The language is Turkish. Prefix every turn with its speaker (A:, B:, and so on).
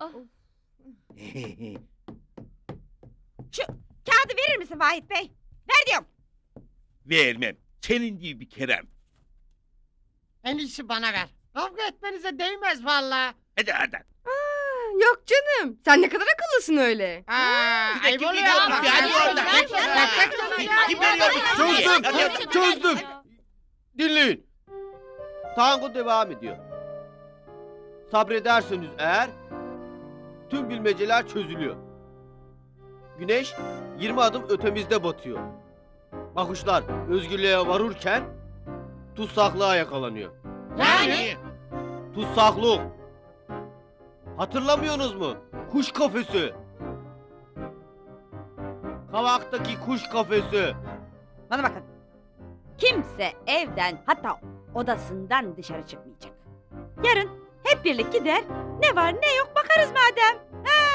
A: Şu kağıdı verir misin Vahit Bey? Ver diyorum.
B: Vermem. Senin gibi bir kerem.
C: En iyisi bana ver. Kavga etmenize değmez valla.
B: Hadi.
D: Yok canım. Sen ne kadar akıllısın öyle.
C: Aa,
B: Bir de
C: ayıp
B: kim
C: oluyor
B: veriyor
C: ama.
B: bunu? Hadi oradan. Kim veriyor bunu?
E: Çözdüm. Dinleyin. Tango devam ediyor. Sabrederseniz eğer tüm bilmeceler çözülüyor. Güneş 20 adım ötemizde batıyor. Bakışlar özgürlüğe varırken tutsaklığa yakalanıyor.
C: Yani?
E: Tutsaklık. Hatırlamıyorsunuz mu? Kuş kafesi. Kavaktaki kuş kafesi.
A: Bana bakın. Kimse evden hatta odasından dışarı çıkmayacak. Yarın hep birlik gider. Ne var ne yok bakarız madem.